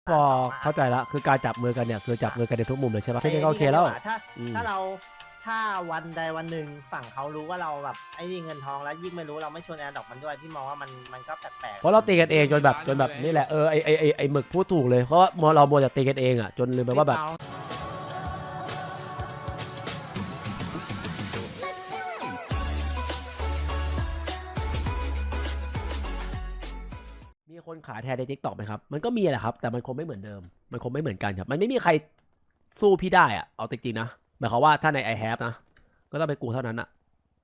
พอเข้าใจละคือการจับมือกันเนี่ยคือจับมือกันในทุกมุมเลยใช่ปะแค่นี้ก็โอเคแล้วถ้าวันใดวันหนึ่งฝั่งเขารู้ว่าเราแบบไอ้นี่เงินทองแล้วยิ่งไม่รู้เราไม่ชวนแอนดอกมันด้วยพี่มองว่ามันก็แปลกเพราะเราตีกันเองจนแบบนี่แหละไอหมึกพูดถูกเลยเพราะว่าเราโมจะตีกันเองอ่ะจนลืมไปว่าแบบมีคนขายแทนในทิกตอกไหมครับมันก็มีแหละครับแต่มันคงไม่เหมือนเดิมมันคงไม่เหมือนกันครับมันไม่มีใครสู้พี่ได้อ่ะเอาจริงๆนะหมายความว่าถ้าใน I have นะก็ต้องไปกูเท่านั้นอ่ะ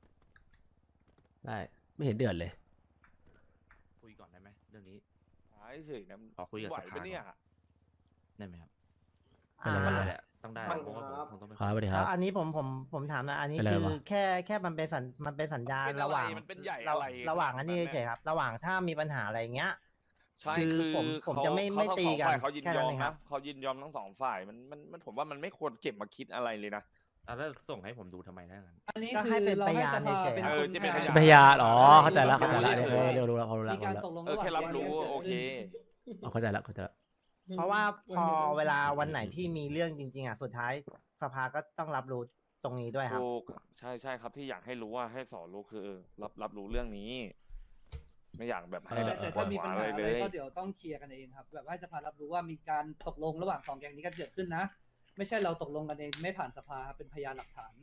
ได้ไม่เห็นเดือดเลยคุยก่อนได้ไหมเรื่องนี้เฉยนะขอคุยกับสภาไหวปะเนี่ยได้ไหมครับเป็นไรไม่ไม่ได้เป็นไรแหละต้องได้เพราะว่าผมคงต้องไปครับสวัสดีคแล้รับวอันนี้ผมถามนะอันนี้เป็นไรคือวะแค่มันเป็นสัญญาณเป็นอะไรระหว่างมันเป็นใหญ่อะไรระหว่างอันนี้ขนาดนั้นเฉยๆครับระหว่างถ้ามีปัญหาอะไรเงี้ยใช่คือคือผมเขาจะไม่เขาตีกันทั้งสองฝ่ายเขายินแค่ยนั้อน มเองครันะบเขายินยอมทั้งสองฝ่ายมันผมว่ามันไม่ควรเก็บมาคิดอะไรเลยนะแล้วส่งให้ผมดูทำไมได้งั้นอันนี้ก็คืให้อเป็นเราพให้ยานสภาเฉยๆเป็นเอคอน จะเป็นพยานอ๋อเข้าใจแล้วเข้าใจแล้วเร็วรู้แล้วพอรู้มีแล้วการตกลงเออระหว่างแค่รับรู้แก๊งโอเคเข้าใจแล้วเข้าใจแล้วเพราะว่าพอเวลาวันไหนที่มีเรื่องจริงๆอ่ะสุดท้ายสภาก็ต้องรับรู้ตรงนี้ด้วยครับถูกใช่ครับที่อยากให้รู้ว่าให้สอนรู้คือรับรู้เรื่องนี้ ไม่อยากแบบให้แบบแต่ปวถ้าดมีหัวปัญอะไรหาอะเลไรยก็เดี๋ยวต้องเคลียร์กันเองครับแบบให้สภารับรู้ว่ามีการตกลงระหว่างสองแก๊งนี้กันเกิดขึ้นนะ ไม่ใช่เราตกลงกันเองไม่ผ่านสภาครับเป็นพยานหลักฐาน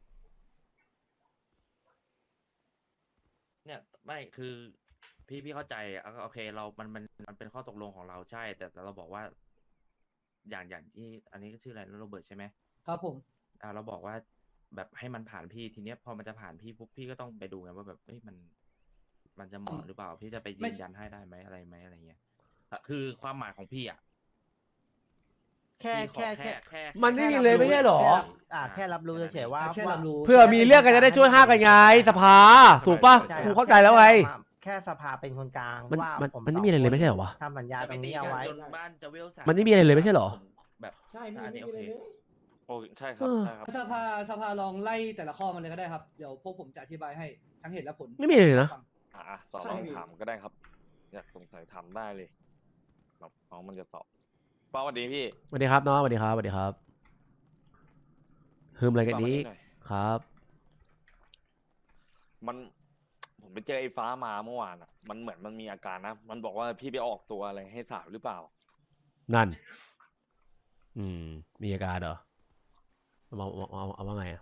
เนี่ยไม่คือพี่เข้าใจโอเคเรามันเป็นข้อตกลงของเราใช่ แต่เราบอกว่า อย่างที่อันนี้ก็ชื่ออะไรโรเบิร์ตใช่ไหมครับผมเราบอกว่าแบบให้มันผ่านพี่ทีเนี้ยพอมันจะผ่านพี่ปุ๊บพี่ก็ต้องไปดูไงว่าแบบเอ้ยมันจะเหมาะหรือเปล่าพี่จะไปยืนยันให้ได้ไหมอะไรไหมอะไรเงี้ยคือความหมายของพี่อ่ะแค่พี่ขอแค่มันไม่มีเลยไม่ใช่หรอแค่รับรู้เฉยๆว่าแค่รับรู้เพื่อมีเรื่องกันจะได้ช่วยห้ากันไงสภาถูกป่ะใช่กูเข้าใจแล้วไงแค่สภาเป็นคนกลางมันว่ามันผมมันไม่มีอะไรเลยไม่ใช่เหรอวะทำสัญญาตรงนี้เอาไว้จนบ้านจะเวลสามมันไม่มีอะไรเลยไม่ใช่เหรอแบบใช่อันนี้โอเคโอ้ใช่ครับใช่ครับสภาลองไล่แต่ละข้อมันเลยก็ได้ครับเดี๋ยวพวกผมจะอธิบายให้ทั้งเหตุและผลไม่มีเลยนะฟังต่อลองถามก็ได้ครับ อยากสงสัยถามได้เลยแบบน้องมันจะตอบป้าสวัสดีพี่สวัสดีครับน้องสวัสดีครับสวัสดีครับฮึมอะไรกันนี้หน่อยครับผมไปเจอไอ้ฟ้ามาเมื่อวานอ่ะ มันเหมือนมันมีอาการนะ มันบอกว่าพี่ไปออกตัวอะไรให้สาวหรือเปล่านั่น มีอาการเหรอเอาว่าไงอ่ะ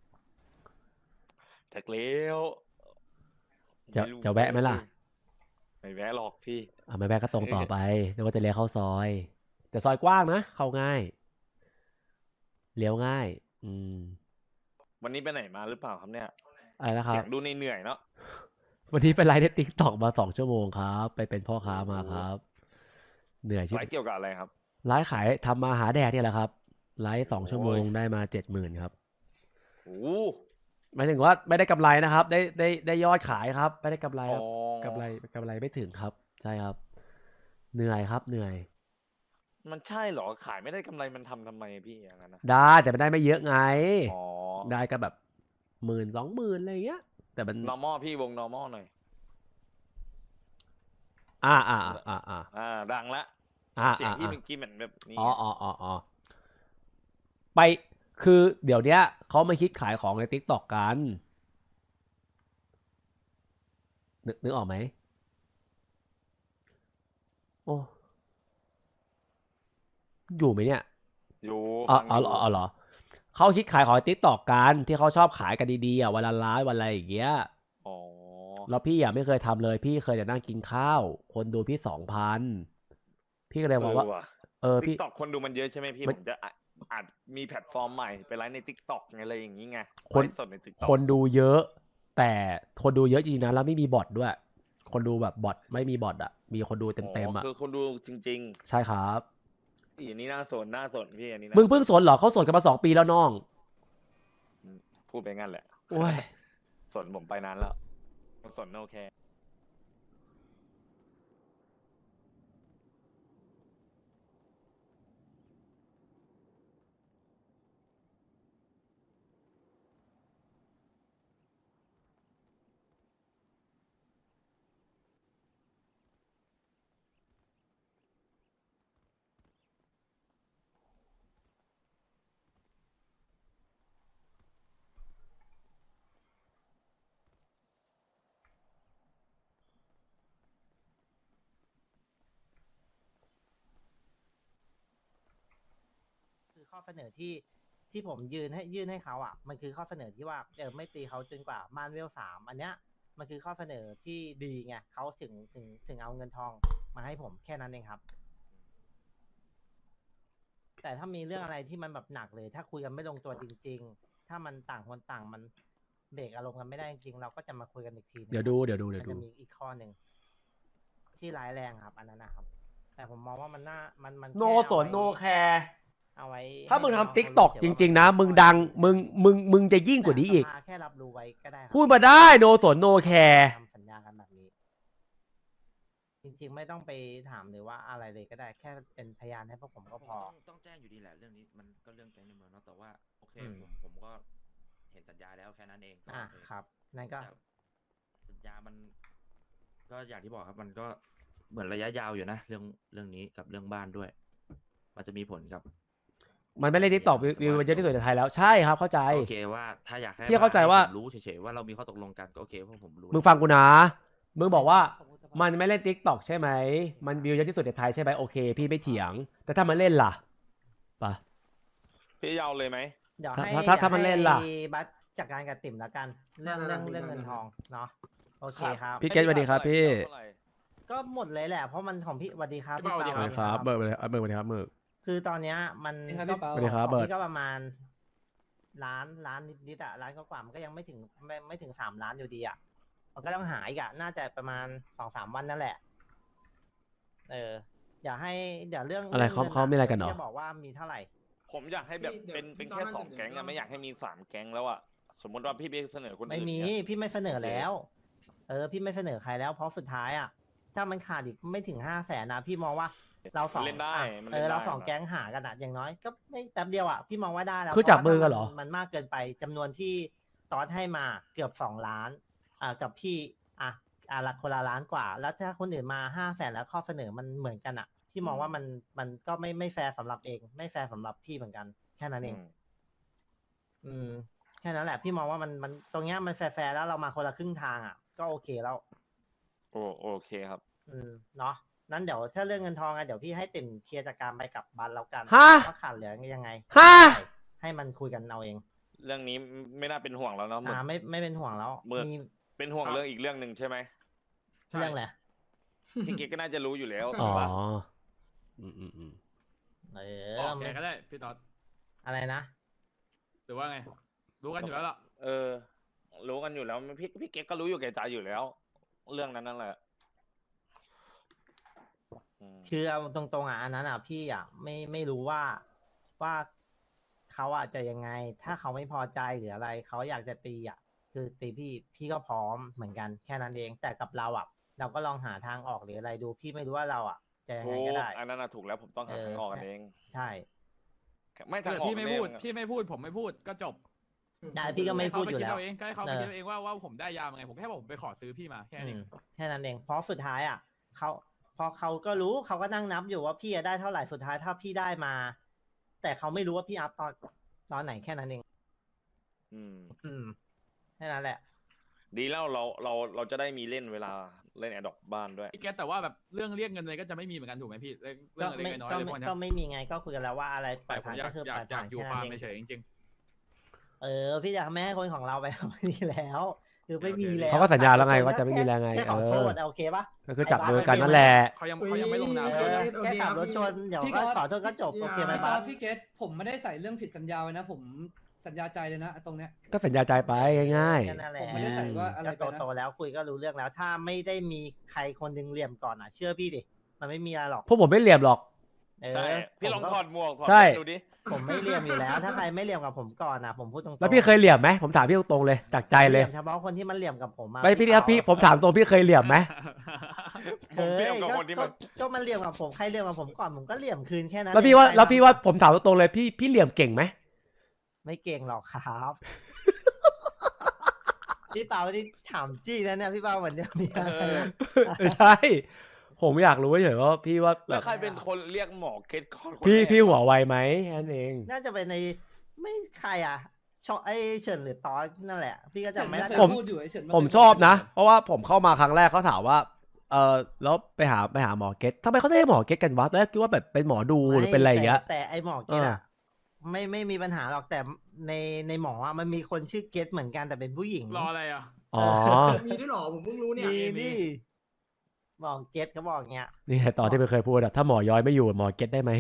แท็กเลี้ยวจะแวะไหมล่ะไม่แวะหรอกพี่ไม่แวะก็ตรงต่อไปนึกว่าจะเลี้ยวเข้าซอย แต่ซอยกว้างนะเข้าง่ายเลี้ยวง่ายวันนี้ไปไหนมาหรือเปล่าครับเนี่ยอะไรนะครับเสียงดูเหนื่อยๆเนาะวันนี้ไปไลฟ์ในติ๊กต็อกมา2 ชั่วโมงครับ ไปเป็นพ่อค้ามาครับ เหนื่อยชิบไลฟ์เกี่ยวกับอะไรครับไลฟ์ขายทำมาหาแดกเนี่ยแหละครับ ไลฟ์2 ชั่วโมงได้มา 70,000ครับโอ้หมายถึงว่าไม่ได้กำไรนะครับ ได้ยอดขายครับ ไม่ได้กำไรครับอ๋อกำไรไม่ถึงครับ ใช่ครับ เหนื่อยครับเหนื่อยมันใช่เหรอ ขายไม่ได้กำไรมันทำไมพี่อย่างนั้นนะได้แต่ไม่ได้ไม่เยอะไงอ๋อได้ก็แบบ10,000-20,000อะไรอย่างเงี้ย แต่มัน normal พี่วง normal หน่อย ดังละ เสียงที่เมื่อกี้เหมือนแบบนี้อ๋อไปคือเดี๋ยวเนี้ยเขามาคิดขายของใน TikTok กัน นึกออกไหมโอ้อยู่ไหมเนี่ยอยู่อ๋ฟังอยู่อเหรอเขาคิดขายของใน TikTok กันที่เขาชอบขายกันดีๆวันละล้านวันอะไรอย่างเงี้ยอ๋อแล้วพี่ไม่เคยทำเลยพี่เคยแต่นั่งกินข้าวคนดูพี่ 2,000พี่ก็เลยบอกว่าติ๊พี่กต็อกคนดูมันเยอะใช่ไหมพี่มันผมจะอาจมีแพลตฟอร์มใหม่ไปไลฟ์ในติ๊กต็อกอะไรอย่างนี้ไงคนไลฟ์สดในติ๊กต็อกคนดูเยอะ แต่คนดูเยอะจริงๆนะแล้วไม่มีบอทด้วย คนดูแบบบอทไม่มีบอทอ่ะ มีคนดูเต็มๆอ่ะคือคนดูจริงใช่ครับๆอันนี้น่าสนพี่อันนี้มึงเพิ่งสนเหรอเขาสนกันมา2 ปีแล้วน้องพูดไปงั้นแหละโอ้ยสนผมไปนานแล้วสนโอเคข้อเสนอที่ผมยื่นให้เขาอ่ะมันคือข้อเสนอที่ว่าไม่ตีเขาจนกว่าบ้านเวล3อันเนี้ยมันคือข้อเสนอที่ดีไงเขาถึงเอาเงินทองมาให้ผมแค่นั้นเองครับ แต่ถ้ามีเรื่องอะไรที่มันแบบหนักเลย ถ้าคุยกันไม่ลงตัวจริง ๆ ถ้ามันต่างคนต่างมันเบรกอารมณ์กันไม่ได้จริงๆเราก็จะมาคุยกันอีกทีนึงเดี๋ยวดูมันจะมีอีกข้อหนึ่งที่ร้ายแรงครับ อันนั้นนะครับ แต่ผมมองว่ามันน่ามันโนแค่สนโนแคร์เอาไว้ถ้ามึงให้น้ทำติ๊กต็อกเขาจรู้เฉยๆริง ๆ นะ มึงดังมึงจะยิ่งกว่านี้อีกสภแค่รับรู้ไว้ก็ได้ครับพูดมาได้โนสนโนแคร์ทำสัญญากันแบบนี้ จริง ๆ ไม่ต้องไปถามหรือว่าอะไรเลยก็ได้ แค่เป็นพยานให้พวกผมก็พอต้องแจ้งอยู่ดีแหละเรื่องนี้มันก็เรื่องแก๊งในเมืองเนาะแต่ว่าโอเคอืมผมก็เห็นสัญญาแล้วแค่นั้นเองก็อ่ะโอเครับนั่นก็แต่สัญญามัน ก็อย่างที่บอกครับ มันก็เหมือนระยะยาวอยู่นะเรื่องนี้กับเรื่องบ้านด้วย มันจะมีผลกับมันไม่เล่นติ๊กต็อกวิวมันเยอะที่สุดในไทยแล้วใช่ครับเข้าใจโอเคว่าถ้าอยากให้พี่เข้าใจว่าผมรู้เฉยๆว่าเรามีข้อตกลงกันก็โอเคเพราะผมรู้มึงฟังกูนะ มึงบอกว่าขอบคุณสภามันไม่เล่นติ๊กต็อกใช่ไหม มันวิวเยอะที่สุดในไทยใช่ไหมโอเค พี่ไม่เถียง แต่ถ้ามันเล่นล่ะปะพี่ยาวเลยไหมเดี๋ยวถ้าให้ถ้ามันเล่นล่ะให้บัสจัดการกับติ่มแล้วกัน เรื่องเงินทองเนาะโอเคครับพี่เกตสวัสดีครับพี่เท่าไหร่ก็หมดเลยแหละ เพราะมันของพี่สวัสดีครับพี่เปาสวัสดีสวัสดีครับเบิร์ดสวัสดีครับเบิร์ดคือตอนเนี้ยมันสวัสดีครับพี่เปาสวัสดีครับของเบิร์ดพี่ก็ประมาณล้านนิดๆอะล้านกว่าๆมันก็ยังไม่ถึงไม่ถึง3 ล้านอยู่ดีอะมันก็ต้องหาอีกอะน่าจะประมาณ2-3 วันนั่นแหละ อย่าให้เดี๋ยวเรื่องอะไรเขางินเขามีอะไรกันเหรอพี่จะบอกว่ามีเท่าไหร่ผมอยากให้แบบพี่เป็นเดี๋ยวแค่ตอนนั้น 2 แก๊งเดี๋ยวอะไม่อยากให้มี3 แก๊งแล้วอะสมมติว่าพี่ไปเสนอคนไม่อื่นมีเนี่ยพี่ไม่เสนอแล้ว พี่ไม่เสนอใครแล้วเพราะสุดท้ายอ่ะถ้ามันขาดอีกไม่ถึง500,000นะพี่มองว่าเราสองเล่นได้อ่ะมันเล่นได้เราสองนะแก๊งหากันอ่ะอย่างน้อยก็ไม่แป๊บเดียวอ่ะพี่มองว่าได้แล้วคือจับเพราะว่ามือกันเหรอมันมากเกินไปจำนวนที่ตอสให้มาเกือบ2 ล้านกับพี่ละคนละล้านกว่า แล้วถ้าคนอื่นมา500,000แล้วข้อเสนอมันเหมือนกันอ่ะพี่มองว่ามันก็ไม่แฟร์สำหรับเองไม่แฟร์สำหรับพี่เหมือนกันแค่นั้นเอง แค่นั้นแหละพี่มองว่ามันตรงเนี้ยมันแฟร์ๆแล้วเรามาคนละครึ่งทางอ่ะก็โอเคแล้วโอเคครับเนาะนั้นเดี๋ยวถ้าเรื่องเงินทองอะเดี๋ยวพี่ให้ติ่มเคลียร์จัดการไปกับบันแล้วกันฮะว่าขาดเหลือยังไงฮะให้มันคุยกันเอาเองเรื่องนี้ไม่น่าเป็นห่วงแล้วเนาะไม่เป็นห่วงแล้วเมื่อมีเป็นห่วงเรื่องอีกเรื่องหนึ่งใช่ไหมใช่เรื่องอะไรพี่เก๊กก็น่าจะรู้อยู่แล้วอ๋อถูกปะอืมบอกแกก็ได้พี่ต๊อดอะไรนะหรือว่าไง รู้กันอยู่แล้วล่ะรู้กันอยู่แล้วพี่เก๊กก็รู้อยู่แก่ใจอยู่แล้ว เรื่องนั้นนั่นแหละมคือเอาตรงๆอันนั้นพี่ไม่รู้ว่าเขาจะยังไง ถ้าเขาไม่พอใจหรืออะไรเขาอยากจะตีคือตีพี่ก็พร้อมเหมือนกันแค่นั้นเอง แต่กับเราเราก็ลองหาทางออกหรืออะไรดูพี่ไม่รู้ว่าเราจะยังถูไงกก็ได้อันนั้นถูกแล้วผมต้องหาทางออกกันเองใช่ไม่ทางเกิดออกพี่ไม่แน่พูดอะพี่ไม่พูดผมไม่พูดก็จบได้พี่ก็ไม่พูดอยู่ให้แล้วเขาไปคิดเอาเองก็ให้เขาไปคิดเอาเองว่าผมได้ยามาไงผมแค่บอกผมไปขอซื้อพี่มาแค่นี้แค่นั้นเองเพราะสุดท้ายพอเขาก็รู้เขาก็นั่งนับอยู่ว่าพี่จะได้เท่าไหร่สุดท้ายถ้าพี่ได้มา แต่เขาไม่รู้ว่าพี่อัพตอนไหนแค่นั้นเอง แค่นั้นแหละดีแล้วเราจะได้มีเล่นเวลาเล่นแอดดอกบ้านด้วยพี่แกแต่ว่าแบบเรื่องเรียกเงินเลยก็จะไม่มีเหมือนกันถูกไหมพี่เรื่องอะไรน้อยๆเลยพวกนี้ก็ไม่มีไงก็คุยกันแล้วว่าอะไรปแต่ล่อยผมผ่านอยาก็กคืออยาปล่กอยอยาผ่าก นอยู่แค่ฟานั้ร์มนเองเฉยๆจริงพี่อยากไม่ให้คนของเราไปแบบนี้แล้ว คือไม่มีแล้วเขาก็สัญญาแล้วไงว่าจะไม่มีแล้วไงแค่ขอโทษโอเคปะก็คือจับมือกันนั่นแหละๆเขายังไม่ลงนามเอเลยอแค่ขับรถชนเดี๋ยวก็ขอโทษก็จบโอเคไหมพี่บ้าพี่เกตผมไม่ได้ใส่เรื่องผิดสัญญาไว้นะ ผมสัญญาใจเลยนะตรงเนี้ยก็สัญญาใจไปง่ายแค่นั้นแหละผมไม่ได้ใส่ว่าอะไรก็ไปนะโตๆแล้วคุยก็รู้เรื่องแล้ว ถ้าไม่ได้มีใครคนหนึงเหลี่ยมก่อนเชื่อพี่ดิมันไม่มีอะไรหรอกๆพวกผมไม่เหลี่ยมหรอกใช่พี่ลองถอดหมวกถอดใช่แว่นดูดิผมไม่เหลี่ยมอยู่แล้ว ถ้าใครไม่เหลี่ยมกับผมก่อนผมพูดตรงๆแล้วพี่เคยเหลี่ยมไหมผมถามพี่ตรงๆเลยจากใจเลยหมเฉพาะคนที่มันเหลี่ยมกับผมไม่พี่ครับพี่ผมถามตรงพี่เคยเหลี่ยมไหมเคผมยเทียบกับคนที่มันก็มันเหลี่ยมกับผมใครเหลี่ยมกับผมก่อนผมก็เหลี่ยมคืนแค่นั้นแล้วพี่ว่าเองแล้วพี่ว่าผมถามตรงๆเลยพี่เหลี่ยมเก่งไหมไม่เก่งหรอกครับ พี่เปาที่ถามจี้นะเนี่ยพี่เปาเหมือนจะมีอะไรไม่ใช่ ผมอยากรู้เฉยๆว่าพี่ว่าแบแล้วบใครเป็นคนเรียกหมอเกตก่อนคนพี่แรกพี่หัวไวไหมแค่นั้นเองน่าจะเป็นในไม่ใครชอบไอ้เฉินหรือตอนนั่นแหละ พี่ก็จำไม่ได้เคยผมพูดอยู่ไอ้เฉินนผมเคยชอบนะพูดเพราะว่าผมเข้ามาครั้งแรกเขาถามว่าแล้วไปหาหมอเก็ตทำไมเขาได้หมอเก็ตกันวะตอนแรกคิดว่าแบบเป็นหมอดูหรือเป็นอะไรอย่างเงี้ยแต่ไอ้หมอเกตไม่มีปัญหาหรอกแต่ในหมออะมันมีคนชื่อเกตเหมือนกันแต่เป็นผู้หญิงรออะไรอ่ะอ๋อมีด้วยเหรอผมเพิ่งรู้เนี่ยมีบอกเกตเขาบอกเงี้ยนี่ไงตอนที่มันเคยพูดอะถ้าหมอย้อยไม่อยู่หมอเก็ตได้ไหม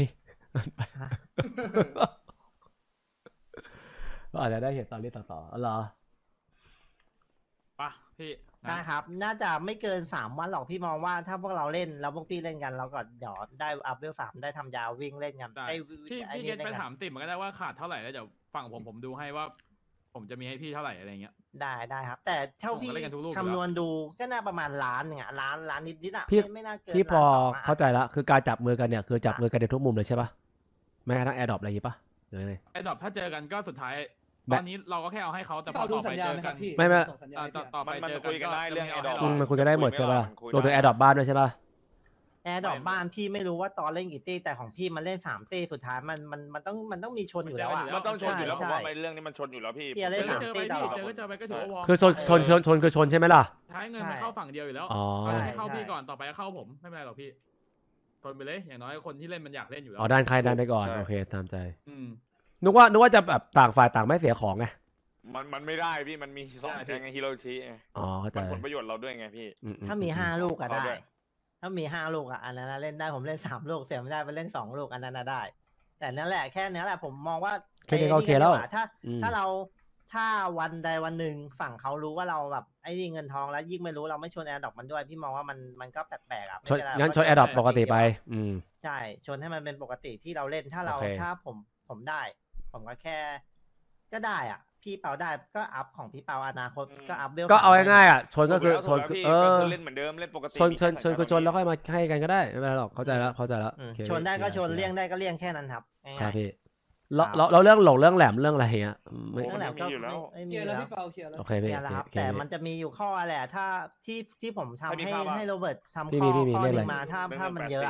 ก็อาจจะได้เห็นตอนนี้ต่อๆอ๋อเหรอปะพี่นะได้ครับ น่าจะไม่เกิน3 วันหรอกพี่มองว่าถ้าพวกเราเล่นแล้วพวกพี่เล่นกันเราก็เดี๋ยวได้อัพเวล3ได้ทำยาววิ่งเล่นกันได้ได้พี่ไอ้พี่นี่เกตเล่นไปกันถามติ่มมันก็ได้ว่าขาดเท่าไหร่แล้วเดี๋ยวฝั่งผมดูให้ว่า ผมจะมีให้พี่เท่าไหร่อะไรเงี้ยได้ครับ แต่เท่าผมก็พี่เล่นกันทุกรูปอยู่คำนวณดูก็น่าประมาณล้านหนึ่งอะล้านนิดๆอะพี่ไม่น่าเกินพี่พอ 1-2 ล้านเข้าใจละคือการจับมือกันเนี่ยคือจับมือกันในทุกมุมเลยใช่ปะแม้กระทั่งแอร์ดรอปอะไรอย่างงี้ปะหรือไงไอ้ดอกถ้าเจอกันก็สุดท้ายแบตบอนนี้เราก็แค่เอาให้เขาแต่พี่พอเปาดูต่อสัไปญญาเจณอไหมคกัรันบพี่ไม่ส่งสัญญาณให้ต่อพี่ต่อไปมันเจอคุยกันได้เรื่องจะม่ Adopt ให้มันคุยกันได้หมดใช่ปะมันคุยรวมถึงแอร์ดรอปบ้านด้วยใช่ปะแอร์ดรอปบ้านพี่ไม่รู้ว่าตอนเล่นกี่ตี้แต่ของพี่มันเล่น3 ตี้สุดท้ายมันต้องมีชนอยู่แล้วอะมันต้องชนอยู่แล้วใช่ผมว่าไอ้เรื่องนี้มันชนอยู่แล้วพี่พี่อะไรเจอก็สามเจอไปตีตพี่ลอดเจอก็เจอไปก็ถือว่าวอร์มคือชนคือชนใช่ไหมล่ะท้ายเงินมันเข้าฝั่งเดียวอยู่แล้วอ๋อตอนนี้ให้เข้าใช่พี่ก่อนต่อไปก็เข้าผมไม่เป็นไรหรอกพี่ทนไปเลยอย่างน้อยคนที่เล่นมันอยากเล่นอยู่แล้วอ๋อด้านใครด้านไปก่อนใช่โอเคตามใจอืมนึกว่าจะแบบต่างฝ่ายต่างไม่เสียของไงมันไม่ได้พี่มันมีสองใช่แกงไงฮิโรชิไงอ๋อเข้าใจมันผลประโยชน์เราด้วยไงพี่ถ้ามี5 ลูกอะเอาได้ด้วยถ้ามี5 ลูกอะอันนั้นนะเล่นได้ผมเล่น3 ลูกเสียไม่ได้ไปเล่น2 ลูกอันนั้นนะได้ แต่นั่นแหละแค่นี้แหละผมมองว่าแค่นี้ก็ไอ้โอเคแล้วดีกาถ้าวันใดวันหนึ่งฝั่งเขารู้ว่าเราแบบไอ้นี่เงินทองแล้วยิ่งไม่รู้เราไม่ชวนแอร์ดรอปมันด้วยพี่มองว่ามันก็แปลกๆอะไม่ชนเป็ไรงั้นก็ชนแอร์ดรอปปกติไปใช่ชนให้มันเป็นปกติที่เราเล่นถ้าเราโอเคถ้าผมได้ ผมก็แค่ ก็ได้อ่ะ พี่เปาได้ก็อัพของพี่เปาอนาคตก็อัพเวลก็เอา 3 ง่ายๆอ่ะชนก็คือชถูนแล้วคือพี่เอก็อคือเล่นเหมือนเดิมเล่นปกติชนมีชนแค่คือชนแล้วค่อยมาให้กันก็ได้ไม่เป็นไรหรอกเข้าใจแล้วอืมโอเคชนได้ก็ชนคลีร์เลี่ยงได้ก็เลี่ยงแค่นั้นครับง่ายๆครับพี่ครับเราเรื่องหลงเรื่องแหลมเรื่องอะไรเงี้ยไม่เรื่องแหลมก็มีอยู่แล้วไม่เคมีลียร์แล้แล้ววพี่เปาเคลียร์แล้วโอเคพี่เนี่ยแหละครับโอเคแต่มันจะมีอยู่ข้อแหละถ้าที่ผมทำถ้ามีให้ข้อบ้างให้โรเบิร์ตทำพี่ข้อมีข้อเรื่องหอะไรนึ่งมาถ้าเรื่องถ้ามันเยอะอะ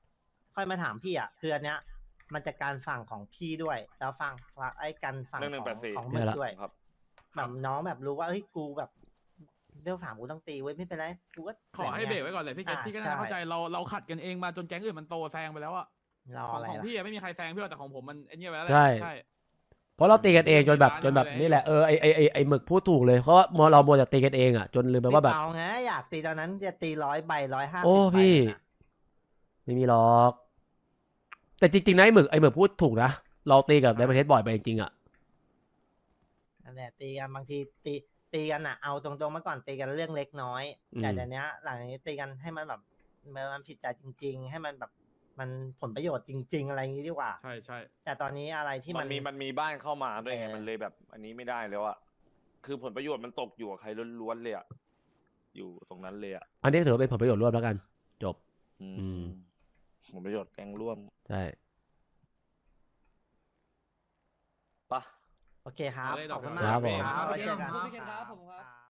84 ค่อยมาถามพี่อ่ะคืออันเนี้ย มันจะการฝั่งของพี่ด้วย แล้วฝั่งไอ้กันฝั่งเรื่องของ 184 มึงด้วยครับแบบน้องแบบรู้ว่าเฮ้ยกูแบบเรื่อง3กูต้องตีเว้ยไม่เป็นไรกูก็ขอให้เบรกไว้ก่อนเลยพี่เกตอ่าพี่ก็ใช่น่าเข้าใจเราขัดกันเองมาจนแก๊งอื่นมันโตแซงไปแล้วอะรอของอะไรของล่ะพี่อะไม่มีใครแซงพี่หรอกแต่ของผมมันไอ้เนี่ยไปแล้วแหละใช่ใช่เพราะเราตีกันเองจนแบบร้านจนแบบอะไรนี่แหละไอหมึกพูดถูกเลยเพราะว่าเราโมวแต่ตีกันเองอ่ะจนลืมไปว่าแบบพี่เปาไงอยากตีตอนนั้นจะตี100 ใบ 150 โอ้ใบพี่น่ะไม่มีหรอก แต่จริงๆนะไอหมึกพูดถูกนะเราตีกับในประเทศบ่อยไปจริงๆอ่ะนั่นแหละตีกันบางทีตีกันอ่ะเอาตรงๆเมื่อก่อนตีกันเรื่องเล็กน้อยอืมแต่เดี๋ยวนี้หลังจากนี้ตีกันให้มันแบบมันผิดใจจริง ๆ ให้มันแบบมันผลประโยชน์จริง ๆ อะไรอย่างนี้ดีกว่าใช่ใช่แต่ตอนนี้อะไรที่มันมีบ้านเข้ามาด้วยไงเออมันเลยแบบ อันนี้ไม่ได้แล้วอะคือผลประโยชน์มันตกอยู่กับใครล้วนๆเลยอะอยู่ตรงนั้นเลยอะอันนี้ถือว่าเป็นผลประโยชน์ร่วมแล้วกัน จบอือืมผลประโยชน์แกงร่วมใช่ปะโอเคครับเอาเลยขอบคุณดอกมากครับผมครับไว้เจอกันขอบคุณครับผมครับ